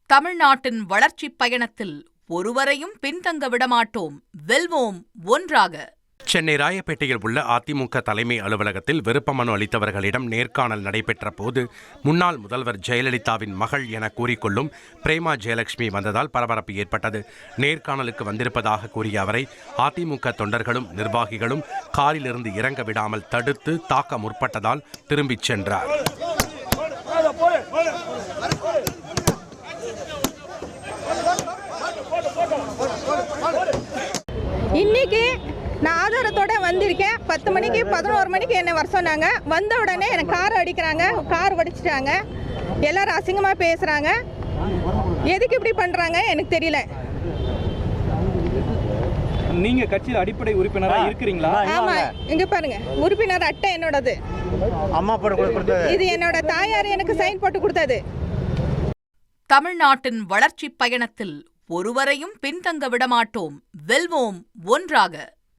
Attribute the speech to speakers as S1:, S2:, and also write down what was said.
S1: தமிழ்நாட்டின் வளர்ச்சிப் பயணத்தில் ஒருவரையும் பின்தங்க விடமாட்டோம், வெல்வோம் ஒன்றாக.
S2: சென்னை ராயப்பேட்டையில் உள்ள அதிமுக தலைமை அலுவலகத்தில் விருப்ப மனு அளித்தவர்களிடம் நேர்காணல் நடைபெற்ற போது முன்னாள் முதல்வர் ஜெயலலிதாவின் மகள் என கூறிக்கொள்ளும் பிரேமா ஜெயலட்சுமி வந்ததால் பரபரப்பு ஏற்பட்டது. நேர்காணலுக்கு வந்திருப்பதாக கூறிய அவரை அதிமுக தொண்டர்களும் நிர்வாகிகளும் காரிலிருந்து இறங்க விடாமல் தடுத்து தாக்க முற்பட்டதால் திரும்பிச் சென்றார்.
S3: இன்னைக்கு நான் ஆதாரத்தோட வந்திருக்கேன். 10 மணிக்கு 11 மணிக்கு என்னை வர சொன்னாங்க. வந்த உடனே எனக்கு கார் அடிக்கிறாங்க, கார் வடிச்சிட்டாங்க, எல்லாரும் அசிங்கமாக பேசுகிறாங்க. எதுக்கு இப்படி பண்ணுறாங்க எனக்கு தெரியல.
S4: நீங்க கட்சியில் அடிப்படை உறுப்பினராக இருக்கிறீங்களா?
S3: ஆமா, இங்க பாருங்க, உறுப்பினர் அட்டை என்னோடது.
S5: அம்மா
S3: இது என்னோட தாயார் எனக்கு சைன் போட்டு கொடுத்தது.
S1: தமிழ்நாட்டின் வளர்ச்சிப் பயணத்தில் ஒருவரையும் பின்தங்க விடமாட்டோம், வெல்வோம் ஒன்றாக.